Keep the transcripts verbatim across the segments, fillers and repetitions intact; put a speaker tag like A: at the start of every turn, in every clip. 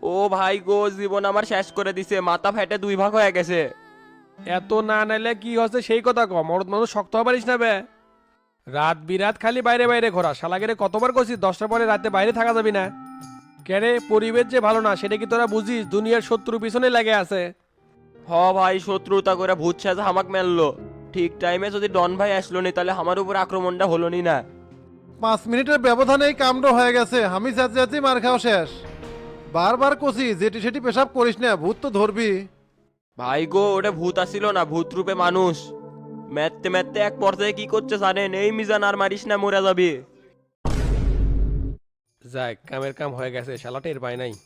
A: ও ভাই গো, জীবন আমার শেষ করে দিছে, মাথা ফেটে দুই ভাগ হয়ে গেছে।
B: এত না নাইলে কি হচ্ছে সেই কথা কম, মরদ মানুষ শক্ত হওয়া পারিস না বে। রাত বিরাত খালি বাইরে বাইরে ঘোরা, শালাগেরে কতবার কইছি দশটার পরে রাতে বাইরে থাকা যাবি না। কেরে পরিবেশ যে ভালো না সেটা কি তোরা বুঝিস? দুনিয়ার শত্রু পিছনে লেগে আছে।
A: হ ভাই, শত্রুতা করে ভূত সাজা হামাক মেললো। ঠিক টাইমে যদি ডন ভাই আসলো নি তাহলে আমার উপর আক্রমণটা হলো নি না।
C: পাঁচ মিনিটের ব্যবধানেই কামড় হয়ে গেছে, আমি যাচ্ছি যাচ্ছি মার খাওয়া শেষ। বারবার কষি যেটি সেটি পেশাব করিস না, ভূত তো ধরবি।
A: ভাই গো, ওটা ভূত আসিল না, ভূত রূপে মানুষ। ম্যাথতে ম্যাথতে এক পর্যায়ে কি করছে জানেন? এই মিজান আর মারিস না, মরে যাবি।
B: যাক, কামের কাম হয়ে গেছে, শালা টের পায় নাই।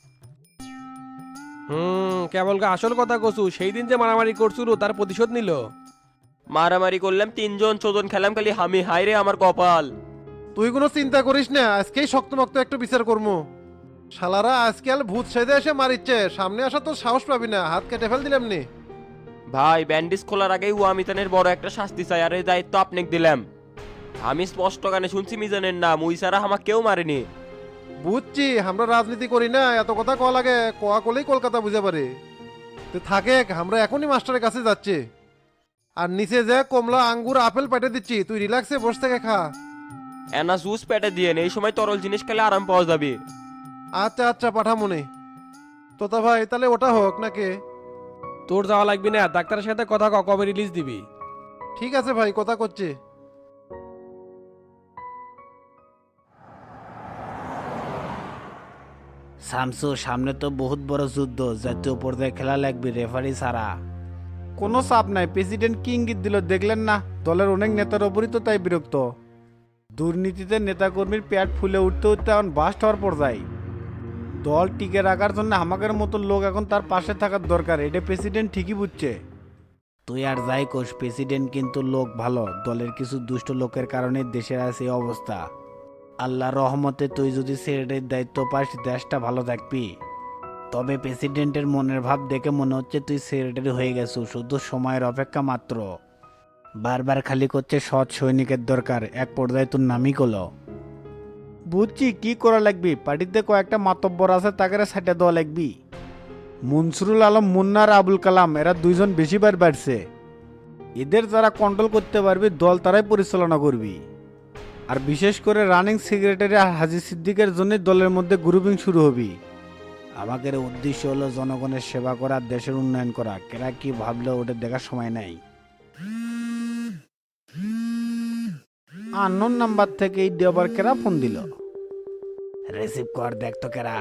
B: হুম, কেবল গা আসল কথা কছু, সেই দিন যে মারামারি করছিল তার প্রতিশোধ নিল।
A: মারামারি করলাম তিনজন, চোজন খেলাম খালি হামি, হাই রে আমার কপাল।
C: তুই কোনো চিন্তা করিস না, আজকেই শক্তমক্ত একটু বিচার করবো। শালারা আজকাল ভূত সেজে এসে মারিচ্ছে, সামনে আসা তো সাহস পাবি না, হাত কেটে ফেল দিলাম নি।
A: ভাই, ব্যান্ডেজ খোলার আগেই ওয়ামিতানের বড় একটা শাস্তি চাই, আর এই দায়িত্ব আপনাকে দিলাম। আমি স্পষ্ট গানে শুনছি মিজানের নাম, ওই ছাড়া আমাকে কেউ মারেনি।
C: বুঝছি, আমরা রাজনীতি করি না, এত কথা কওয়া লাগে, কোয়া কলেই কলকাতা বুঝে পারে। তো থাকে, আমরা এখনই মাস্টারের কাছে যাচ্ছি। আর নিচে যে কমলা আঙ্গুর আপেল পেটে দিচ্ছি, তুই রিল্যাক্সে বসে থেকে খা।
A: এনা জুস পেটে দিয়ে এই সময় তরল জিনিস খেলে আরাম পাওয়া যাবে।
C: আচ্ছা আচ্ছা, পাঠা মনে। তোতা ভাই, তাহলে ওটা হোক নাকি?
B: তোর যাওয়া লাগবি না, ডাক্তারের সাথে কথা ক, কবে রিলিজ দিবি।
C: ঠিক আছে ভাই, কথা করছি।
D: শামসু, সামনে তো বহুত বড় যুদ্ধ, জাতীয় পর্যায়ে খেলা লাগবে রেফারি ছাড়া।
E: কোনো চাপ নাই, প্রেসিডেন্ট কি ইঙ্গিত দিল দেখলেন না? দলের অনেক নেতার ওপরই তো তাই বিরক্ত। দুর্নীতিতে নেতাকর্মীর পেট ফুলে উঠতে উঠতে এখন বাস্ট হওয়ার পর্যায়ে। দল টিকে রাখার জন্য আমাদের মতো লোক এখন তার পাশে থাকার দরকার, এটা প্রেসিডেন্ট ঠিকই বুঝছে।
D: তুই আর যাই কোষ, প্রেসিডেন্ট কিন্তু লোক ভালো, দলের কিছু দুষ্ট লোকের কারণে দেশের আছে এই অবস্থা। আল্লাহ রহমতে তুই যদি সেক্রেটারির দায়িত্ব পাস, দেশটা ভালো থাকবি। তবে প্রেসিডেন্টের মনের ভাব দেখে মনে হচ্ছে তুই সেক্রেটারি হয়ে গেছু, শুধু সময়ের অপেক্ষা মাত্র। বারবার খালি করছে সৎ সৈনিকের দরকার, এক পর্যায়ে তোর নামই করলো।
E: বুঝছি কি করা লাগবি, পার্টিতে কয়েকটা মাতব্বর আছে, তাকে সাইটে দেওয়া লাগবি। মনসুরুল আলম, মুন্না আর আবুল কালাম, এরা দুইজন বেশিবার বাড়ছে। এদের যারা কন্ট্রোল করতে পারবি, দল তারাই পরিচালনা করবি। আর বিশেষ করে রানিং সেক্রেটারি হাজি সিদ্দিকের জন্য দলের মধ্যে গ্রুপিং শুরু হবি।
D: আমাদের উদ্দেশ্য হলো জনগণের সেবা করা, দেশের উন্নয়ন করা। কেরা কি ভাবলো ওটা দেখার সময় নাই।
E: আননোন নাম্বার থেকে এই দেওয়ার কেরা ফোন দিল।
D: রিসিভ কর, দেখ তো কেরা।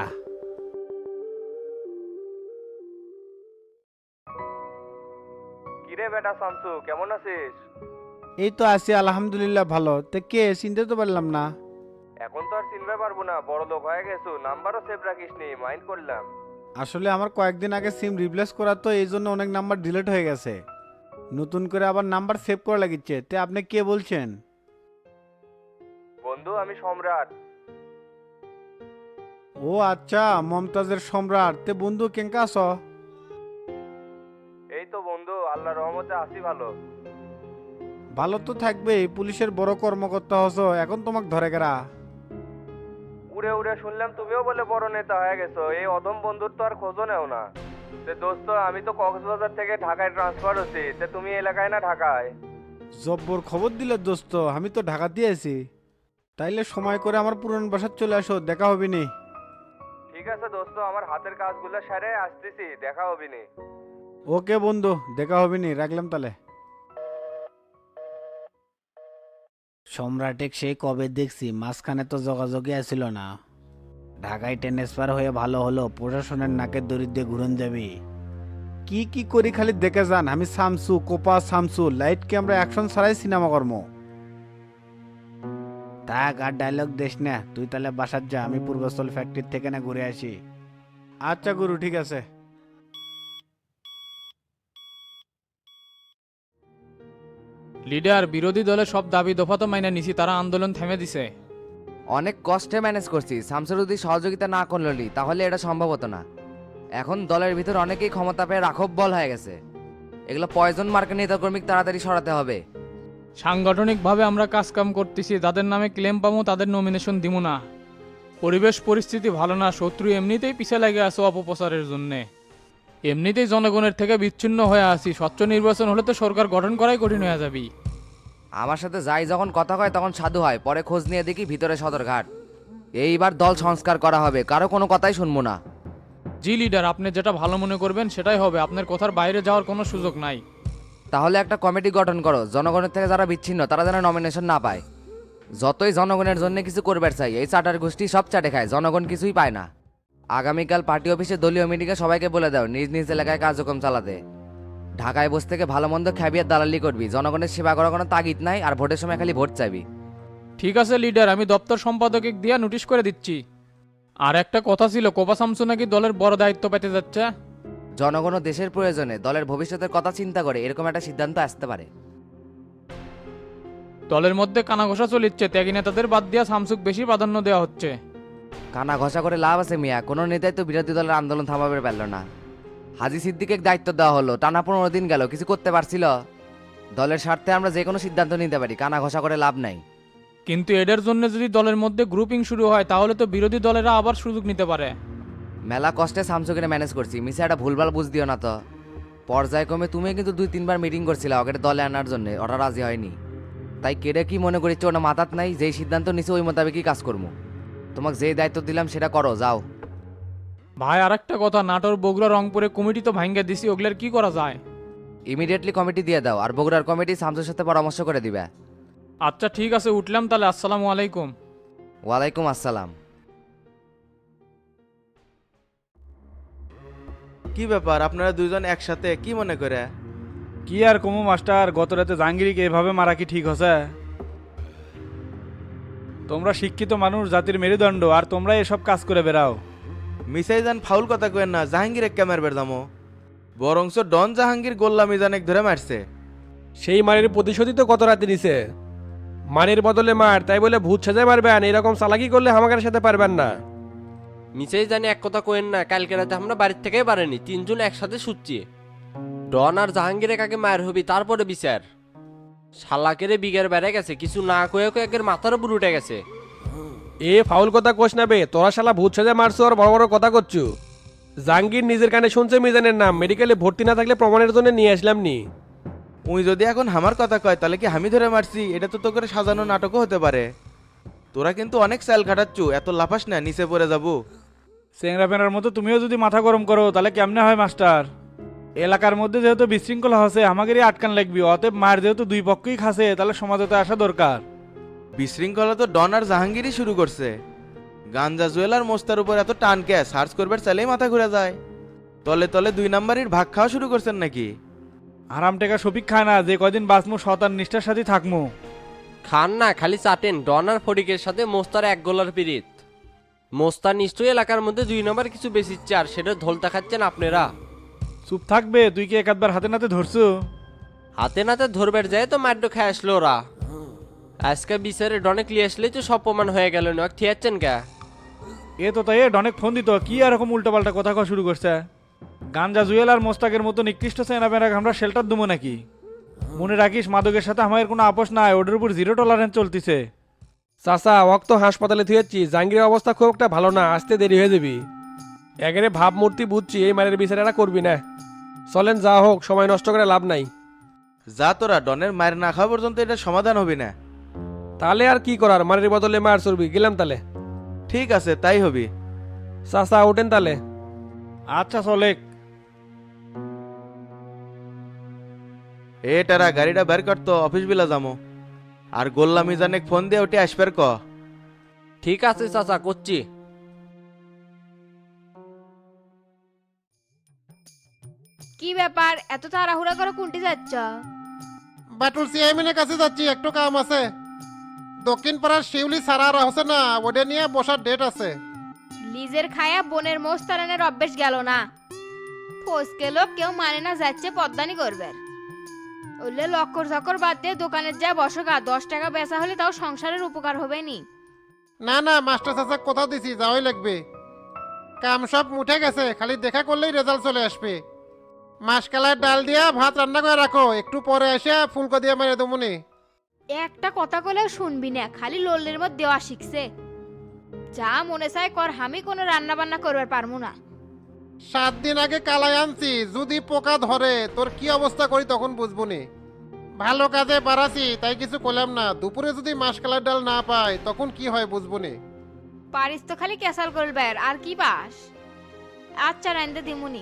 F: কিরে বেটা শামসু, কেমন আছিস?
E: এই তো আছি আলহামদুলিল্লাহ, ভালো। তে কে, চিনতে তো পারলাম না।
F: এখন তো আর চিনতে পারবো না, বড় লোক হয়ে গেছো, নাম্বারও সেভ রাখিস নি, মাইন্ড করলাম।
E: আসলে আমার কয়েকদিন আগে সিম রিপ্লেস করা, তো এই জন্য অনেক নাম্বার ডিলিট হয়ে গেছে। নতুন করে আবার নাম্বার সেভ করা লাগিচ্ছে। তে আপনি কে বলছেন?
F: বন্ধু, আমি সম্রাট।
E: ও আচ্ছা, মমতাজের সম্রাট। তে বন্ধু কেঙ্কা আছ?
F: এই তো বন্ধু, আল্লাহ রহমতে আছি ভালো।
E: ভালো তো থাকবে, পুলিশের বড় কর্মকর্তা হস, এখন তোমাক ধরে গেরা।
F: উড়ে উড়ে শুনলাম তুমিও বলে বড় নেতা হয়ে গেছো, এই অধম বন্ধুর তো আর খোঁজও নেও না। তে দোস্ত, আমি তো কক্সবাজার থেকে ঢাকায় ট্রান্সফার হচ্ছি, তে তুমি এলাকায় না ঢাকায়?
E: জব্বর খবর দিলে দোস্ত, আমি তো ঢাকা দিয়ে আছি। তাইলে সময় করে আমার পুরনো বাসায় চলে আসো, দেখা হবে নি।
F: ঠিক আছে দোস্ত, আমার হাতের কাজগুলো সেরে আসতেছি, দেখা হবে নি।
E: ওকে বন্ধু, দেখা হবে নি, রাখলাম তাহলে।
D: সম্রাটেক সেই কবে দেখছি, মাঝখানে তো যোগাযোগই আসছিল না। ঢাকায় ট্রান্সফার হয়ে ভালো হলো, প্রশাসনের নাকের দরিদ্রে ঘুরন যাবি।
E: কি কি করি খালি দেখে যান, আমি শামসু, কোপা শামসু, লাইট ক্যামেরা অ্যাকশন ছাড়াই সিনেমা কর্ম।
D: থাক আর ডায়লগ দেশ না, তুই তাহলে বাসার যা, আমি পূর্বস্থল ফ্যাক্টরি থেকে না ঘুরে আসি।
E: আচ্ছা গুরু, ঠিক আছে।
G: লিডার, বিরোধী দলের সব দাবি দফা তো মাইনা নিছি, তারা আন্দোলন থেমে দিছে।
H: অনেক কষ্টে ম্যানেজ করছি, শামসুর যদি সহযোগিতা না করলি তাহলে এটা সম্ভব হতো না। এখন দলের ভিতর অনেকেই ক্ষমতা পেয়ে রাখব বল হয়ে গেছে, এগুলো পয়জন মার্কা নেতাকর্মী তাড়াতাড়ি সরাতে হবে।
G: সাংগঠনিকভাবে আমরা কাজ কাম করতেছি, যাদের নামে ক্লেম পাবো তাদের নমিনেশন দিব না। পরিবেশ পরিস্থিতি ভালো না, শত্রু এমনিতেই পিছে লেগে আছে অপপ্রচারের জন্যে। এমনিতেই জনগণের থেকে বিচ্ছিন্ন হয়ে আছি, স্বচ্ছ নির্বাচন হলে তো সরকার গঠন করাই কঠিন হয়ে যাবি।
H: আমার সাথে যাই যখন কথা কয় তখন সাধু হয়, পরে খোঁজ নিয়ে দেখি ভিতরে সদরঘাট। এইবার দল সংস্কার করা হবে, কারো কোনো কথাই শুনবো না।
G: জি লিডার, আপনি যেটা ভালো মনে করবেন সেটাই হবে, আপনার কথার বাইরে যাওয়ার কোনো সুযোগ নাই।
H: তাহলে একটা কমিটি গঠন করো, জনগণের থেকে যারা বিচ্ছিন্ন তারা যেন নমিনেশন না পায়। যতই জনগণের জন্য কিছু করবার চাই, এই চাটার গোষ্ঠী সব চাটে খায়, জনগণ কিছুই পায় না। আগামীকাল পার্টি অফিসে দলীয় মিটিংয়ে সবাইকে বলে দাও নিজ নিজ এলাকায় কার্যক্রম চালাতে। ঢাকায় বসে থেকে ভালো মন্দ খ্যাবিয়ার দালালি করবি, জনগণের সেবা করার কোনো তাগিদ নাই, আর ভোটের সময় খালি ভোট চাইবি।
G: ঠিক আছে লিডার, আমি দপ্তর সম্পাদকে দিয়া নোটিশ করে দিচ্ছি। আর একটা কথা ছিল, কোপা শামসু নাকি দলের বড় দায়িত্ব পেতে যাচ্ছে।
H: জনগণ ও দেশের প্রয়োজনে দলের ভবিষ্যতের কথা চিন্তা করে এরকম একটা সিদ্ধান্ত আসতে পারে।
G: দলের মধ্যে কানাঘোষা চলিচ্ছে, ত্যাগী নেতাদের বাদ দিয়া শামসুক বেশি প্রাধান্য দেওয়া হচ্ছে।
H: কানা ঘষা করে লাভ আছে মিয়া, কোনো নেতাই তো বিরোধী দলের আন্দোলন থামাবে পারল না। হাজি সিদ্দিকে দায়িত্ব দেওয়া হলো, টানা পনেরো দিন গেল, কিছু করতে পারছিল? দলের স্বার্থে আমরা যে কোনো সিদ্ধান্ত নিতে পারি, কানা ঘষা করে লাভ নাই।
G: কিন্তু এদের জন্য যদি দলের মধ্যে গ্রুপিং শুরু হয় তাহলে তো বিরোধী দলেরা আবার সুযোগ নিতে পারে।
H: মেলা কষ্টে শামসুকে ম্যানেজ করছি, মিসে একটা ভুলভাল বুঝ দিও না তো। পর্যায়ক্রমে তুমি কিন্তু দুই তিনবার মিটিং করছিলে ওকে দলে আনার জন্য, ওরা রাজি হয়নি। তাই কেড়ে কি মনে করিচ্ছ ওটা মাথাত নাই, যেই সিদ্ধান্ত নিছে ওই মোতাবেকই কাজ করবো। তোমাকে যে দায়িত্ব দিলাম সেটা করো, যাও।
G: ভাই আর একটা কথা, নাটোর বগুড়া রংপুরে কমিটি তো ভাঙ্গে দিছি, ওগুলোর কি করা যায়?
H: ইমিডিয়েটলি কমিটি দিয়ে দাও, আর বগুড়ার কমিটি শামসুর সাথে পরামর্শ করে দিবে।
G: আচ্ছা ঠিক আছে, উঠলাম তাহলে, আসসালামু আলাইকুম।
H: ওয়ালাইকুম আসসালাম।
I: কি ব্যাপার আপনারা দুইজন একসাথে কি মনে করে?
E: কি আর কমু মাস্টার, গত রাতে জাহাঙ্গীরকে এভাবে মারা কি ঠিক হচ্ছে? তোমরা শিক্ষিত মানুষ, জাতির মেরুদণ্ড, আর তোমরা এসব কাজ করে বেড়াও।
I: মিসাই যান ফাউল কথা কেন না, জাহাঙ্গীর এক ক্যামের বেরদামো বরংস ডন জাহাঙ্গীর গোল্লা মিজানেক ধরে মারছে।
B: সেই মারের প্রতিশোধই তো গত রাতে নিছে। মারের বদলে মার, তাই বলে ভূত সাজায় মারবেন, এরকম চালাকি করলে আমাদের সাথে পারবেন না।
A: মিছেই জানি এক কথা কোয়েন না, কালকে রাতে আমরা বাড়ির থেকেই পারেনি, তিনজন একসাথে শুচ্ছি। ডন আর জাহাঙ্গীরে কাকে মায়ের হবি তারপরে বিচার। শালাকেরে বিঘের বেড়ে গেছে, কিছু না কয়ে কয়ে একের মাথার উপর উঠে গেছে।
B: এ ফাউল কথা কোষ নেবে, তোরা শালা ভূত সাজা মারছো আর বড় বড় কথা করছু। জাহাঙ্গীর নিজের কানে শুনছে মিজানের নাম, মেডিকেলে ভর্তি না থাকলে প্রমাণের জন্য নিয়ে আসলাম নি।
I: উই যদি এখন আমার কথা কয় তাহলে কি আমি ধরে মারছি? এটা তো তো করে সাজানো নাটকও হতে পারে। তোরা কিন্তু অনেক স্যাল খাটাচ্ছু, এত লাফাস না, নিচে পড়ে যাবো।
E: চেংরা পেনার মতো তুমিও যদি মাথা গরম করো তাহলে কেমনে হয় মাস্টার? এলাকার মধ্যে যেহেতু বিশৃঙ্খলা হচ্ছে, আমাদেরই আটকান লাগবি। অতএব মার যেহেতু দুই পক্ষই খাসে, তাহলে সমাজতে আসা দরকার।
I: বিশৃঙ্খলা তো ডন আর জাহাঙ্গীরই শুরু করছে। গাঞ্জা জুয়েলার মোস্তার উপর এত টান কে? সার্চ করবার চাইলেই মাথা ঘুরে যায়। তলে তলে দুই নাম্বারির ভাগ খাওয়া শুরু করছেন নাকি?
E: আরাম টেকা সফিক খায় না, যে কয়দিন বাঁচমু শতান নিষ্ঠার সাথে থাকমু।
A: খান না, খালি চাটেন। ডন আর ফটিকের সাথে মোস্তার এক গোলার পিরিত। মোস্তার নিশ্চয়ই এলাকার মধ্যে দুই নম্বর কিছু বেশিচ্ছে, আর সেটা ধলতা খাচ্ছেন আপনারা।
E: চুপ থাকবে, তুই কি একবার হাতে নাতে ধরছু?
A: হাতে নাতে ধরবার যায় তো মাড্ড খেয়ে আসলো ওরা। আজকে বিচারে ডনে ক্লিয়ে আসলেই তো সব প্রমাণ হয়ে গেল না, ঠিয়াচ্ছেন কে?
E: এ তো তাই অনেক ফোন দিত, কি এরকম উল্টোপাল্টা কথা কওয়া শুরু করছে? গাঞ্জা জুয়েল আর মোস্তাকের মতো নিকৃষ্ট সেনা বেনাক আমরা শেল্টার দেবো নাকি? মনে রাখিস, মাদকের সাথে আমাদের কোনো আপোষ নাই, ওদের উপর জিরো টলারেন্স চলতিছে।
B: চাচা ওকে তো হাসপাতালে থুয়েছি, জাহাঙ্গীরের অবস্থা খুব একটা ভালো না, আসতে দেরি হয়ে যাবি। একেরে ভাবমূর্তি বুঝছি, এই মারের বিচারেরা করবি না। চলেন যা হোক, সময় নষ্ট করে লাভ নাই।
I: যা তোরা ডনের মায়ের না খাওয়া পর্যন্ত এটা সমাধান হবে না।
B: তাহলে আর কি করার, মারের বদলে মার চড়বি। গেলাম তাহলে।
I: ঠিক আছে, তাই হবি।
B: চাচা ওঠেন তাহলে।
E: আচ্ছা চলে।
I: এ টারা গাড়িটা বের করতো, অফিস বিলা যামো। আর গোল্লা মিজানেক ফোন দিয়ে ওটি আসবার ক।
A: ঠিক আছে চাচা, করছি।
J: কি ব্যাপার, এত তাড়াহুড়া করে কোনটি যাচ্ছ?
C: বাটুল চেয়ারম্যানের কাছে যাচ্ছি, একটু কাম আছে। দক্ষিণ পাড়ার শিউলি সারা আর হচ্ছে না, ওটা নিয়ে বসার ডেট আছে।
J: লিজের খায়া বোনের মোষ তারানের অভ্যেস গেল না। ফসকে লোক কেউ মানে না, যাচ্ছে পদ্মানি করবে। ওলে লক্কর ঝক্কর বাদ দিয়ে দোকানের যা বসকা, দশ টাকা বেচা হলে তাও সংসারের উপকার হবে নি।
C: না না, মাস্টার চাচা কথা দিছি, যাওয়াই লাগবে। কাম সব মুঠে গেছে, খালি দেখা করলেই রেজাল্ট চলে আসবে। মাসকালার ডাল দিয়া ভাত রান্না করে রাখো, একটু পরে এসে ফুলকো দিয়ে মেরে দেবো নি।
J: একটা কথা কলেও শুনবি না, খালি লোলের মধ্যে দেওয়া শিখছে। যা মনে চায় কর, আমি কোনো রান্না বান্না করবার পারবো না।
C: সাত দিন আগে কালাই আনছি, যদি পোকা ধরে তোর কি অবস্থা করি তখন বুঝবনি। ভালো কাজে বাড়াছি তাই কিছু করলাম না, দুপুরে যদি মাসকালার ডাল না পাই তখন কি হয় বুঝবনি।
J: পারিস তো খালি ক্যাসাল করবার, আর কি পাস? আচ্ছা রাইন্দে দিমুনি।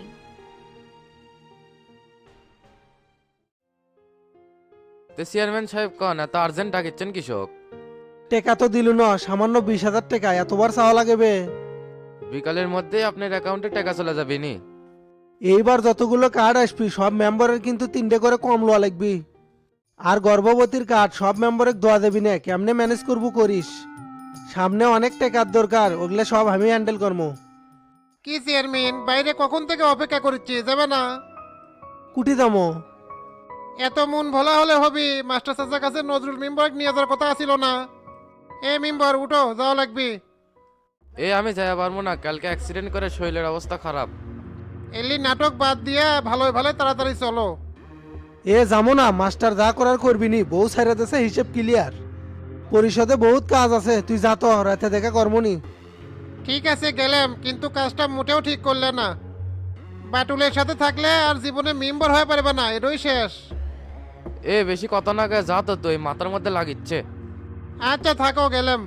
H: তো চেয়ারম্যান সাহেব কন এত আর্জেন্ট ডাকিচ্ছেন কৃষক?
K: টেকা তো দিল না, সামান্য বিশ হাজার টাকা এতবার চাওয়া লাগবে?
H: বিকালের মধ্যে আপনার অ্যাকাউন্টে টাকা চলে যাবে নি।
K: এইবার যতগুলো কার্ড আসবি সব মেম্বারের কিন্তু তিনটে করে কম লওয়া লাগবি। আর গর্ভবতীর কার্ড সব মেম্বারে দোয়া দেবি না, কেমনে ম্যানেজ করবো করিস। সামনে অনেক টাকার দরকার, ওগুলো সব আমি হ্যান্ডেল করবো।
C: কি চেয়ারম্যান, বাইরে কখন থেকে অপেক্ষা করছি, যাবে না?
K: কুটি দামো
C: এত মন ভোলা হলে হবি, মাস্টার চাচার কাছে নজরুল মেম্বার নিয়ে যাওয়ার কথা ছিল না? এ মেম্বার উঠো, যাওয়া লাগবে।
H: এ আমি যাইয়া পারবো না, কালকে অ্যাক্সিডেন্ট করে শরীরের অবস্থা খারাপ।
C: এলি নাটক বাদ দিয়ে ভালো ভালো তাড়াতাড়ি চলো।
K: এ যাবো না, মাস্টার যা করার করবি নি, বউ সাইরা দেশে হিসেব ক্লিয়ার। পরিষদে বহুত কাজ আছে, তুই যা তো, রাতে দেখা কর্মনি।
C: ঠিক আছে গেলাম, কিন্তু কাজটা মোটেও ঠিক করলে না। বাটুলের সাথে থাকলে আর জীবনে মেম্বার হয়ে পারবে না, এটাই শেষ।
H: এ বেশি কথা না গায়ে যা তো তুই, মাথার মধ্যে লাগিচ্ছে।
C: আচ্ছা থাকো, গেলাম।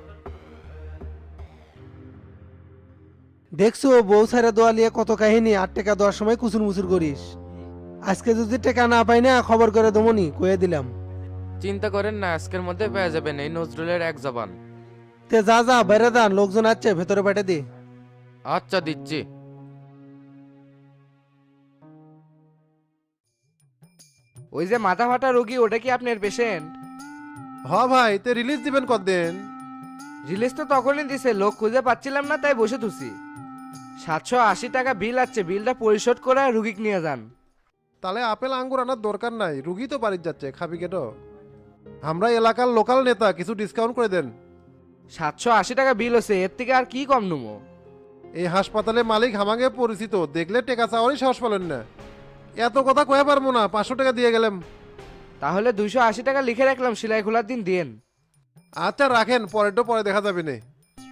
K: দেখছো বউ সাইরা দোয়া লিয়ে কত কাহিনী, আর টাকা দেওয়ার সময় কুচুর মুচুর করিস। আজকে যদি টাকা না পাই না খবর করে দমনি, কয়ে দিলাম।
H: চিন্তা করেন না, আজকের মধ্যে পেয়ে যাবেন, এই নজরুলের এক জবান।
K: তে যা যা বাইরে দান, লোকজন আছে ভেতরে পাঠে দি।
H: আচ্ছা দিচ্ছি।
F: ওই যে মাথা ফাটা রোগী, ওটা কি আপনার পেশেন্ট?
C: হ ভাই, তে রিলিজ দিবেন কতদিন?
F: রিলিজ তো তখনই দিছে, লোক খুঁজে পাচ্ছিলাম না তাই বসে থুছি। সাতশো আশি টাকা বিল আছে, বিলটা পরিশোধ করে রুগীক নিয়ে যান।
C: তাহলে আপেল আঙ্গুর আনার দরকার নাই, রুগী তো বাড়ির যাচ্ছে, খাবি কেন? আমরা এলাকার লোকাল নেতা, কিছু ডিসকাউন্ট করে দেন।
F: সাতশো আশি টাকা বিল হচ্ছে, এর থেকে আর কি কম নেবো?
C: এই হাসপাতালে মালিক হামাগে পরিচিত, দেখলে টেকা চাওয়ারই সাহস পেলেন না। এত কথা কয়ে পারবো না, পাঁচশো টাকা দিয়ে গেলাম।
F: তাহলে দুইশো আশি টাকা লিখে রাখলাম, সেলাই খোলার দিন দিন।
C: আচ্ছা রাখেন, পরেরটা পরে দেখা যাবে না।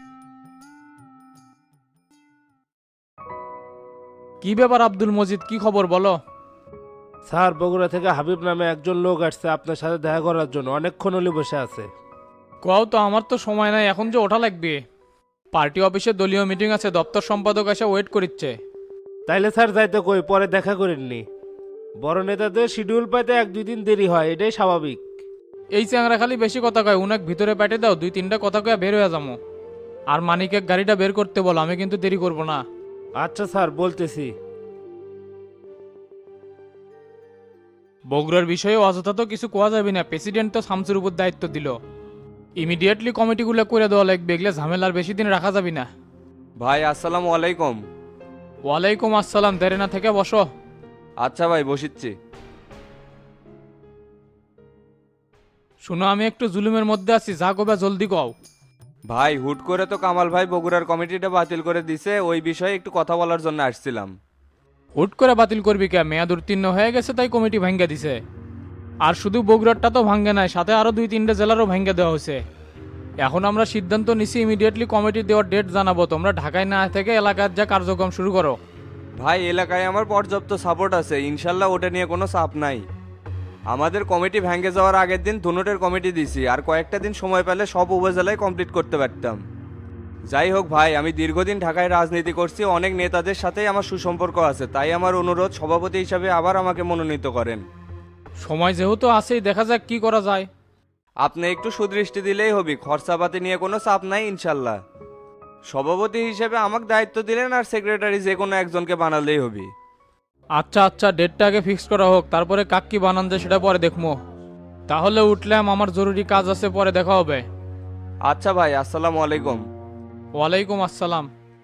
G: কি ব্যাপার আব্দুল মজিদ, কি খবর বলো?
B: স্যার, বগুড়া থেকে হাবিব নামে একজন লোক আসছে আপনার সাথে দেখা করার জন্য, অনেকক্ষণ হলি বসে আছে।
G: কও তো, আমার তো সময় নাই, এখন যে ওঠা লাগবে। পার্টি অফিসে দলীয় মিটিং আছে, দপ্তর সম্পাদক এসে ওয়েট করিচ্ছে।
B: তাইলে স্যার যাইতে কই, পরে দেখা করেননি। বড় নেতাদের শিডিউল পাইতে এক দুই দিন দেরি হয়, এটাই স্বাভাবিক।
G: এই চ্যাংরা খালি বেশি কথা কয়, উনাক ভিতরে পাঠে দাও, দুই তিনটা কথা কয়ে বের হয়ে যাবো। আর মানিকে গাড়িটা বের করতে বলো, আমি কিন্তু দেরি করব না।
B: আচ্ছা স্যার, বলতেছি।
G: বগুড়ার বিষয়ে অযথা তো কিছু কোয়া যাবে না, প্রেসিডেন্ট তো শামসুর উপর দায়িত্ব দিল। ইমিডিয়েটলি কমিটিগুলো করে দেওয়া লাগবে, এগুলো ঝামেলার বেশি দিন রাখা যাবে না।
L: ভাই আসসালামু আলাইকুম।
G: ওয়ালাইকুম আসসালাম, দেরে না থেকে বসো।
L: আচ্ছা ভাই, বসিচ্ছি।
G: শুনো, আমি একটু জুলুমের মধ্যে আছি, যা কবে জলদি কও।
L: ভাই হুট করে তো কামাল ভাই বগুড়ার কমিটিটা বাতিল করে দিছে, ওই বিষয়ে একটু কথা বলার জন্য আসছিলাম।
G: হুট করে বাতিল করবি কে? মেয়াদ উত্তীর্ণ হয়ে গেছে তাই কমিটি ভাঙ্গা দিছে। আর শুধু বগুড়ারটা তো ভাঙ্গে নাই, সাথে আরো দুই তিনটে জেলারও ভাঙ্গা দেওয়া হয়েছে। এখন আমরা সিদ্ধান্ত নিছি ইমিডিয়েটলি কমিটি দেওয়ার ডেট জানাবো, তোমরা ঢাকায় না থেকে এলাকার যা কার্যক্রম শুরু করো।
L: ভাই এলাকায় আমার পর্যাপ্ত সাপোর্ট আছে, ইনশাল্লাহ ওটা নিয়ে কোনো চাপ নাই। আমাদের কমিটি ভেঙে যাওয়ার আগের দিন ধুনুটের কমিটি দিছি, আর কয়েকটা দিন সময় পেলে সব উপজেলায় কমপ্লিট করতে পারতাম। যাই হোক ভাই, আমি দীর্ঘদিন ঢাকায় রাজনীতি করছি, অনেক নেতাদের সাথেই আমার সুসম্পর্ক আছে, তাই আমার অনুরোধ সভাপতি হিসাবে আবার আমাকে মনোনীত করেন।
G: সময় যেহেতু আছেই, দেখা যাক কি করা যায়।
L: আপনি একটু সুদৃষ্টি দিলেই হবে, খরচাপাতি নিয়ে কোনো চাপ নাই ইনশাল্লাহ। সভাপতি হিসেবে আমাকে দায়িত্ব দিলেন, আর সেক্রেটারি যে কোনো একজনকে বানালেই হবে।
G: আচ্ছা আচ্ছা, ডেটটা আগে ফিক্স করা হোক, তারপরে কাক কি বানান যায় সেটা পরে দেখবো। তাহলে উঠলাম, আমার জরুরি কাজ আছে, পরে দেখা হবে।
L: আচ্ছা ভাই, আসসালামু আলাইকুম।
G: ওয়ালাইকুম আসসালাম।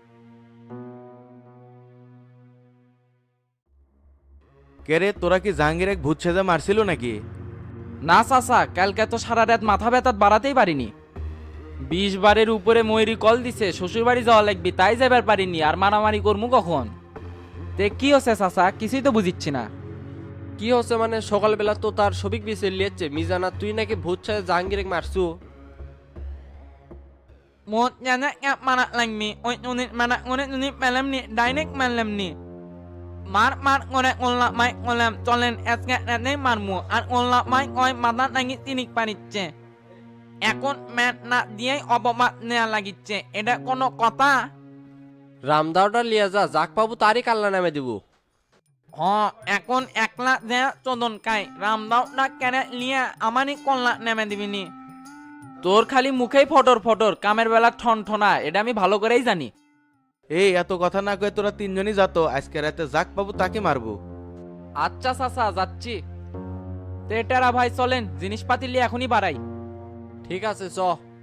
I: কে রে, তোরা কি জাহাঙ্গীর এক ভূত সেজে মারছিল নাকি?
M: না চাচা, কালকে তো সারা রাত মাথা ব্যথা বাড়াতেই পারিনি। বিশ বারের উপরে ময়ূরী কল দিছে শ্বশুর বাড়ি যাওয়া লাগবে, তাই যাবার পারিনি। আর মারামারি করবো কখন? তে কি হচ্ছে চাচা, কিছুই তো বুঝিচ্ছি না।
A: কি হচ্ছে মানে? সকালবেলা তো তার সবিক বিছে লিয়েছে মিজানা, তুই নাকি ভূত ছায় জাহাঙ্গীর মারছু।
M: মোট জানা এক মারা লাগবি ওই ইউনিট মারা করে ইউনিট পেলাম নি ডাইরেক্ট মারলাম নি মার মার করে ওল্লা মাই করলাম চলেন আজকে রাতে মারমু আর ওল্লা মাই কয় মাথা নাকি তিনিক পারিচ্ছে এখন ম্যাট না দিয়েই অপবাদ নেওয়া লাগিচ্ছে এটা কোনো কথা
A: রামদাওটা লিয়া যা যাক পাবো তারই কাল্লা নামে দিব।
M: হ এখন একলা যে চোদন কাই রামদাও না কেন লিয়া আমারই কল্লা নেমে দিবিনি
G: তোর খালি মুখেই ফটর ফটর কামের বেলা ঠন ঠনা এটা আমি ভালো করেই জানি।
I: এই এত কথা না কয়ে তোরা তিনজনই যাতো, আজকে রাতে যাক পাবো তাকে মারবো।
G: আচ্ছা চাচা যাচ্ছি। তেটারা ভাই চলেন জিনিসপাতি নিয়ে এখনই বাড়াই।
A: ঠিক আছে চ।